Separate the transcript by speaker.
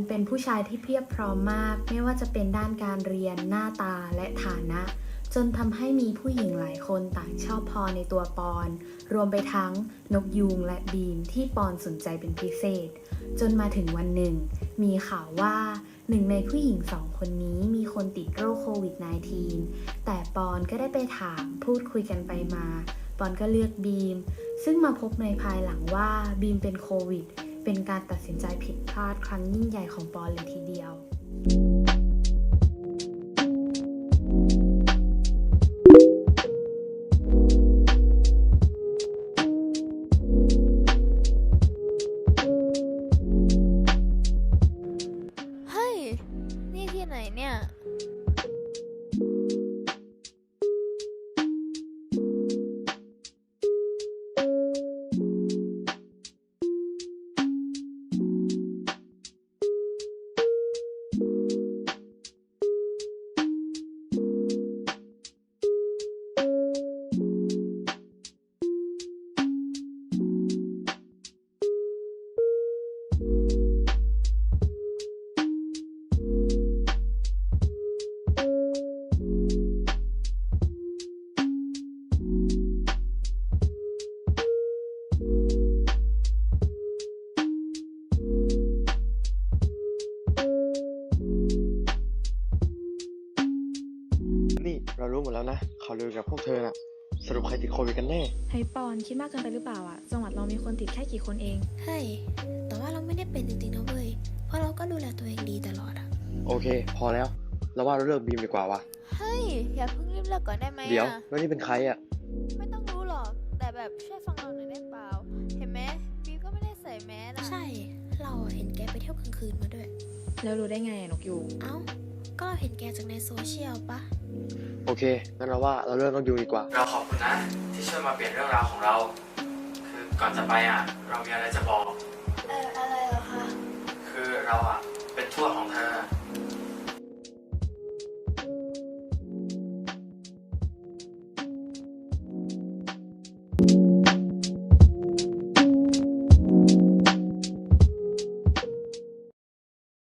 Speaker 1: เป็นผู้ชายที่เพียบพร้อมมากไม่ว่าจะเป็นด้านการเรียนหน้าตาและฐานะจนทำให้มีผู้หญิงหลายคนต่างชอบพอในตัวปอนรวมไปทั้งนกยูงและบีมที่ปอนสนใจเป็นพิเศษจนมาถึงวันหนึ่งมีข่าวว่าหนึ่งในผู้หญิงสองคนนี้มีคนติดโรคโควิด -19 แต่ปอนก็ได้ไปถามพูดคุยกันไปมาปอนก็เลือกบีมซึ่งมาพบในภายหลังว่าบีมเป็นโควิดเป็นการตัดสินใจผิดพลาดครั้งยิ่งใหญ่ของปอนเลยทีเดียว
Speaker 2: เฮ้ย นี่ที่ไหนเนี่ย
Speaker 3: นี่เรารู้หมดแล้วนะข่าวลือกับพวกเธอน่ะสรุปใครติดโควิดกันแน่
Speaker 4: เฮ้ยปอนคิดมากเกินไปหรือเปล่าอะจังหวัดเรามีคนติดแค่กี่คนเอง
Speaker 5: เฮ้ย แต่ว่าเราไม่ได้เป็นจริงๆนะเว้ย เพราะเราก็ดูแลตัวเองดีตลอดอะ
Speaker 3: โอเคพอแล้วเราว่าเราเลิกบีมดีกว่าวะ
Speaker 2: เฮ้ย อย่าเพิ่งรีบเลิกก่อนได้ไหม
Speaker 3: เดี๋ยว
Speaker 2: อะ
Speaker 3: แล้วนี่เป็นใครอ่ะ
Speaker 2: ไม่ต้องรู้หรอก แต่แบบช่วยฟังเราหน่อยได้เปล่า เห็นไหมบีมก็ไม่ได้ใส่แมสอะ
Speaker 5: ใช่ เราเห็นแกไปเที่ยวกลางคืนมาด้วย
Speaker 4: แล้วรู้ได้ไงอะนกยูง
Speaker 5: เอ้า ก็เราเห็นแกจากในโซเชียลปะ
Speaker 3: โอเคงั้นเราว่าเราเลิกต้องดูดีกว่า
Speaker 6: เราขอบคุณนะที่ช่วยมาเปลี่ยนเรื่องราวของเรา คือก่อนจะไปเรามีอะไรจะบอก
Speaker 5: อะไรเหรอคะ
Speaker 6: คือเราเป็นทวดของเธอ